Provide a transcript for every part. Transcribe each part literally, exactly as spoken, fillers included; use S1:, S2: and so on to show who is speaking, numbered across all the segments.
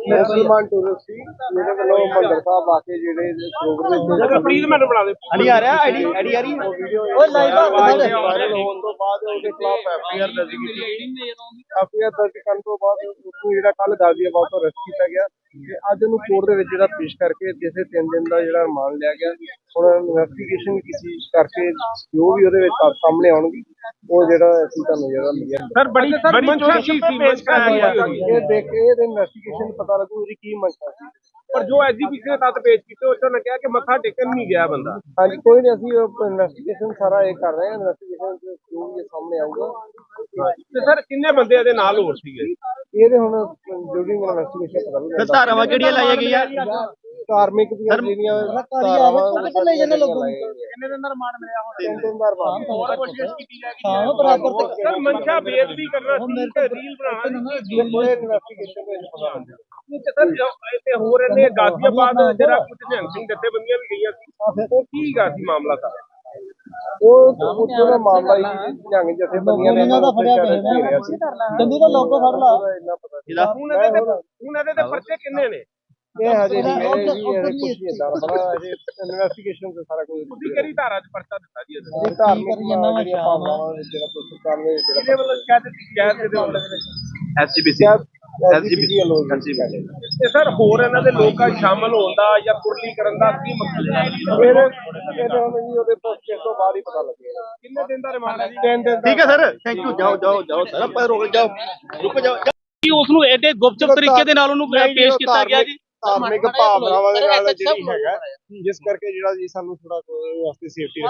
S1: मुसलमान टूरिस्ट सी मेरे वालों मंदिर साहब आके जेडे प्रोग्राम
S2: प्लीज मैंने बना दे
S3: अली आ रहा आईडी आईडी आ रही
S1: ओए लाइव वायरल होने तो बाद उसके खिलाफ एफआईआर दर्ज की एफआईआर दर्ज करने तो बाद उसको जेड़ा कल गाजियाबाद तो अरेस्ट किया गया ਤੇ ਅੱਜ ਉਹਨੂੰ ਕੋਰਟ ਦੇ ਵਿੱਚ ਜਿਹੜਾ ਪੇਸ਼ ਕਰਕੇ ਜਿਸੇ ਤਿੰਨ ਦਿਨ ਦਾ ਜਿਹੜਾ ਰਿਮਾਂਡ ਲਿਆ ਗਿਆ ਹੁਣ ਇਨਵੈਸਟੀਗੇਸ਼ਨ ਕੀਤੀ ਕਰਕੇ ਜੋ ਵੀ ਉਹਦੇ ਵਿੱਚ ਤੱਥ ਸਾਹਮਣੇ ਆਉਣਗੇ ਉਹ ਜਿਹੜਾ ਅਸੀਂ ਤੁਹਾਨੂੰ ਜਿਹੜਾ ਮਿਲਿਆ
S2: ਸਰ ਬੜੀ ਬੜੀ ਮੰਸ਼ਾ ਸੀ ਪੇਸ਼ ਕਰਾਇਆ ਗਿਆ
S1: ਇਹ ਦੇਖ ਕੇ ਇਹਦੇ ਇਨਵੈਸਟੀਗੇਸ਼ਨ ਪਤਾ ਲੱਗੂ ਇਹਦੀ ਕੀ ਮੰਸ਼ਾ ਸੀ
S2: ਪਰ ਜੋ ਐਗਜ਼ੀਬਿਸ਼ਨ ਦੇ ਤੱਤ ਪੇਸ਼ ਕੀਤੇ ਉਸ ਨੇ ਕਿਹਾ ਕਿ ਮੱਥਾ ਟੇਕਣ ਨਹੀਂ ਗਿਆ ਬੰਦਾ
S1: ਹਾਂਜੀ ਕੋਈ ਨਹੀਂ ਅਸੀਂ ਇਨਵੈਸਟੀਗੇਸ਼ਨ ਸਾਰਾ ਇਹ ਕਰ ਰਹੇ ਹਾਂ ਇਨਵੈਸਟੀਗੇਸ਼ਨ ਜੋ ਵੀ ਸਾਹਮਣੇ ਆਊਗਾ
S2: ਤੇ ਸਰ ਕਿੰਨੇ ਬੰਦੇ ਇਹਦੇ ਨਾਲ ਹੋਰ ਸੀਗੇ
S1: ਇਹਦੇ ਹੁਣ ਡਿਊਰਿੰਗ ਇਨਵੈਸਟੀਗੇਸ਼ਨ ਪਤਾ ਲੱਗੂ
S3: ਧਾਰਾਵਾਂ ਕਿਹੜੀਆਂ ਲਾਈਆਂ ਗਈਆਂ
S1: ਧਾਰਮਿਕ ਦੀਆਂ ਜਿਹੜੀਆਂ ਧਾਰਾਵਾਂ
S3: ਲੈ ਜਾਂਦੇ ਲੋਕਾਂ ਨੂੰ
S2: ਕਿੰਨੇ ਦਿਨ ਦਾ ਰਿਮਾਂਡ ਮਿਲਿਆ ਹੁਣ
S1: ਤਿੰਨ ਦਿਨ ਦਾ ਰਿਮਾਂਡ
S2: ਹੋਰ ਕੋਸ਼ਿਸ਼ ਕੀਤੀ ਜਾ ਰਹੀ ਹੈ ਬਰਾਬਰ ਸਰ ਮਨਸ਼ਾ ਬੇਇੱਜ਼ਤੀ ਕਰਨਾ ਸੀ ਤੇ ਰੀਲ ਬਣਾਉਣਾ ਸੀ
S1: ਪੂਰੇ ਇਨਵੈਸਟੀਗੇਸ਼ਨ ਦੇ ਵਿੱਚ ਪਤਾ ਲੱਗੂ
S2: ਤੇ ਸਰ ਇੱਥੇ ਹੋਰ ਇਹਨੇ ਗਾਜ਼ੀਆਬਾਦ ਜਿਹੜਾ ਕੁਝ ਨਿਹੰਗ ਸਿੰਘ ਜਥੇਬੰਦੀਆਂ ਵੀ ਗਈਆਂ ਸੀ ਉਹ ਕੀ ਗਾ ਸੀ ਮਾਮਲਾ ਸਰ
S1: ਉਹ ਉੱਥੇ ਦਾ ਮਾਮਲਾ ਹੀ ਨਿਹੰਗ ਜਥੇਬੰਦੀਆਂ ਨੇ ਇਹਨਾਂ ਦਾ ਫੜਿਆ ਗਿਆ ਸੀ
S3: ਜੰਦੀ ਦਾ ਲੋਗੋ ਫੜ ਲਾ
S1: ਇੰਨਾ ਪਤਾ
S2: ਇਹਦਾ ਹੁਣ ਇਹਦੇ ਤੇ ਹੁਣ ਇਹਦੇ ਤੇ ਪਰਚੇ ਕਿੰਨੇ ਨੇ
S1: ਇਹ ਹਜੇ ਨਹੀਂ ਇਹ ਜੀ ਕੁਝ ਨਹੀਂ ਇਦਾਂ ਬੜਾ ਹਜੇ ਇਨਵੈਸਟੀਗੇਸ਼ਨ ਤੇ ਸਾਰਾ ਕੁਝ
S2: ਤੁਸੀਂ ਕਿਹੜੀ ਧਾਰਾ 'ਚ ਪਰਚਾ ਦਿੱਤਾ ਜੀ ਇਹਦੇ
S1: ਇਹ ਧਾਰਮਿਕ ਜਿਹੜੀਆਂ ਭਾਵਨਾਵਾਂ ਜਿਹੜਾ ਸਰਕਾਰ ਨੇ ਜਿਹੜਾ
S2: ਇਹਦੇ ਵੱਲੋਂ ਸ਼ਿਕਾਇਤ ਸ਼ਿਕਾਇਤ ਦੇ ਉੱਤੇ
S3: ਐਸਜੀਪੀਸੀ
S1: ਐਸਜੀਪੀਸੀ ਵੱਲੋਂ
S2: ਤੇ ਸਰ ਹੋਰ ਇਹਨਾਂ ਦੇ ਲੋਕਾਂ ਸ਼ਾਮਲ ਹੋਣ ਦਾ ਜਾਂ ਕੁਰਲੀ ਕਰਨ ਦਾ ਕੀ ਮਕਸਦ ਹੈ
S1: ਇਹਦੇ ਇਹਦੇ ਹੁਣ ਜੀ ਉਹਦੇ ਪੋਸਟ ਤੋਂ ਬਾਅਦ ਹੀ ਪਤਾ ਲੱਗੇਗਾ
S2: ਕਿੰਨੇ ਦਿਨ ਦਾ ਰਿਮਾਂਡ ਹੈ ਜੀ
S1: ਤਿੰਨ ਦਿਨ ਦਾ
S3: ਠੀਕ ਹੈ ਸਰ ਥੈਂਕ ਯੂ ਜਾਓ ਜਾਓ ਜਾਓ ਸਰ ਪਰ ਰੁਕ ਜਾਓ ਰੁਕ ਜਾਓ
S4: ਕਿ ਉਸ ਨੂੰ ਐਡੇ ਗੁਪਚੁਪ ਤਰੀਕੇ ਦੇ ਨਾਲ ਉਹਨੂੰ ਪੇਸ਼ ਕੀਤਾ ਗਿਆ ਜੀ
S1: ਧਾਰਮਿਕ ਭਾਵਨਾਵਾਂ ਦੇ ਨਾਲ ਜਿਹੜੀ ਹੈਗਾ ਜਿਸ ਕਰਕੇ ਜਿਹੜਾ ਜੀ ਸਾਨੂੰ ਥੋੜਾ ਵਾਸਤੇ ਸੇਫਟੀ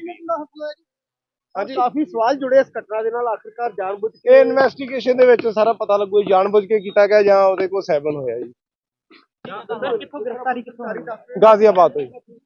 S3: ਹਾਂਜੀ ਕਾਫੀ ਸਵਾਲ ਜੁੜੇ ਇਸ ਘਟਨਾ ਦੇ ਨਾਲ ਆਖਿਰਕਾਰ ਜਾਣਬੁੱਝ ਕੇ
S1: ਇਹ ਇਨਵੈਸਟੀਗੇਸ਼ਨ ਦੇ ਵਿੱਚ ਸਾਰਾ ਪਤਾ ਲੱਗੂ ਜਾਣਬੁੱਝ ਕੇ ਕੀਤਾ ਗਿਆ ਜਾਂ ਉਹਦੇ ਕੋਲ ਸੈਵਨ ਹੋਇਆ ਜੀ
S4: ਕਿੱਥੋਂ ਗ੍ਰਿਫਤਾਰੀ ਕਿੱਥੋਂ
S1: ਗਾਜ਼ੀਆਬਾਦ ਤੋਂ ਜੀ